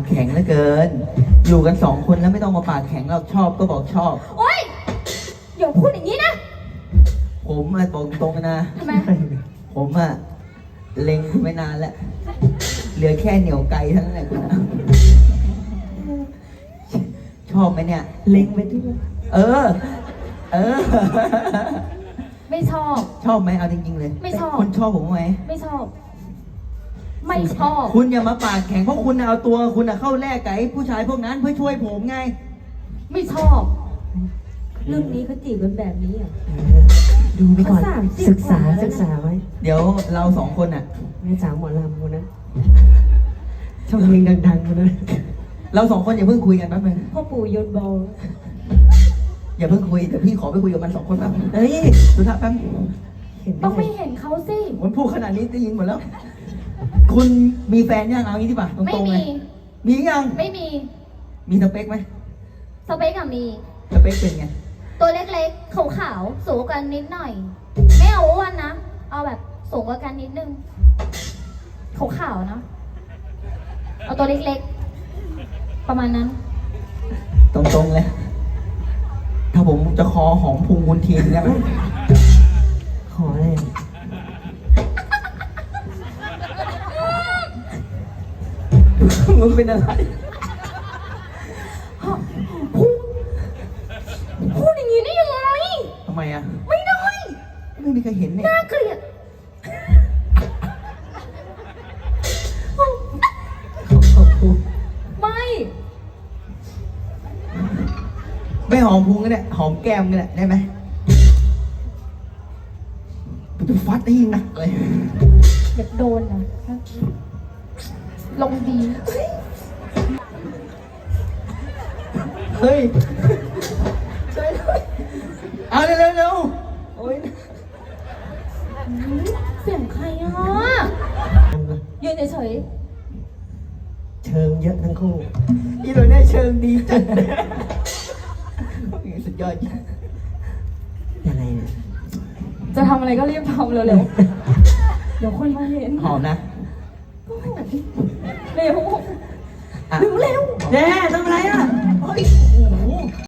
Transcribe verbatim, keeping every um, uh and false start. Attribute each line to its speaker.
Speaker 1: แข็งเหลือเกิน อยู่กันสองคนแล้วไม่ต้องมาปากแข็งเราชอบก็บอกชอบ
Speaker 2: โอ๊ยอย่าพูดอย่างนี้นะ
Speaker 1: ผมอะบอกตรงๆนะ
Speaker 2: ทำไม
Speaker 1: ผมอะเล็งคุณไม่นานแล้ว เหลือแค่เหนียวไกลเท่านั้นแหละคุณอะชอบไหมเนี่ย
Speaker 3: เล็งไปที่
Speaker 1: เออ เออ
Speaker 2: ไม่ชอบ
Speaker 1: ชอบไหมเอาจริงๆเลย
Speaker 2: ไม่ชอบ
Speaker 1: คุณชอบผมไหม
Speaker 2: ไม่ชอบ ไม่ชอบ
Speaker 1: คุณอย่ามาปากแข็งเพราะคุณเอาตัวคุณอะเข้าแลกกับไอ้ผู้ชายพวกนั้นเพื่อช่วยผมไง
Speaker 2: ไม่ชอบ
Speaker 3: เรื่องนี้เขาจีบกันแบบนี้อ่ะ
Speaker 1: ดูไปก่อน
Speaker 3: เขาสามสิบ
Speaker 4: ศึกษา
Speaker 3: ว่แล้วนะ
Speaker 4: ศึกษาไว้
Speaker 1: เดี๋ยวเราสองคนอะ
Speaker 4: แม่สาวหมอลำคนนั้นชอบเพลงดังๆคนนั้น
Speaker 1: เราสองคนอย่าเพิ่งคุยกันแป๊บนึง
Speaker 3: พ่อปู่โยนบอล
Speaker 1: อย่าเพิ่งคุยเดี๋ยวพี่ขอไปคุยกับมันสองคนแป๊บนึงเฮ้ยสุธาแป๊บ
Speaker 4: เห็น
Speaker 2: ต้อง
Speaker 4: ไหม
Speaker 2: ไม่เห็นเขาสิ
Speaker 1: มันพูดขนาดนี้ได้ยินหมดแล้ว คุณมีแฟนยังเอางี้ดีป่ะต
Speaker 2: ไม่
Speaker 1: รงๆเล
Speaker 2: มี
Speaker 1: ยมียัง
Speaker 2: ไม่มี
Speaker 1: มีสเปคไหม
Speaker 2: สเปคอะมี
Speaker 1: สเปคเป็นไง
Speaker 2: ตัวเล็กๆ ขาวๆ สูงกว่ากันนิดหน่อย ไม่เอาอ้วนนะ เอาแบบสูงกว่ากันนิดนึง ขาวๆนะ เอาตัวเล็กๆ ประมาณนั้น
Speaker 1: ตรงๆเลย ถ้าผมจะคอหอมพุงคุณทีนได้ไหม
Speaker 4: ขออะไรอ่ะ
Speaker 1: มึงเป็นอะไร
Speaker 2: พูดพูดอย่างนี้ได้ยังไง
Speaker 1: ทำไมอ่ะ
Speaker 2: ไม่ได้
Speaker 1: ไม่มีใครเห็นเนี่ย
Speaker 2: น่าเกลียด
Speaker 1: ขอบคุณ
Speaker 2: ไม่
Speaker 1: ไม่หอมพุงก็ได้หอมแก้มก็ได้ได้ไหมกูจะฟัดให้หนักเลย
Speaker 2: อยากโดนนะลงดี
Speaker 1: เฮ้ยช่วยด้วยเอาเร็วๆเร็วโอ๊ย
Speaker 2: เสียงใครอ่ะ ยืนเฉย
Speaker 4: เชิงเยอะทั้งคู่
Speaker 1: อีโดนได้เชิงดีจังสุดยอดจริง
Speaker 4: ยังไงเนี่ย
Speaker 2: ๆจะทำอะไรก็รีบทำเร็วๆ เดี๋ยวคนมาเห็น
Speaker 1: หอมนะ
Speaker 2: เร็ว
Speaker 1: อ่ะ
Speaker 2: เร็ว
Speaker 4: แน่ทำอะไรอ่ะ
Speaker 1: เฮ้ยโอ้โห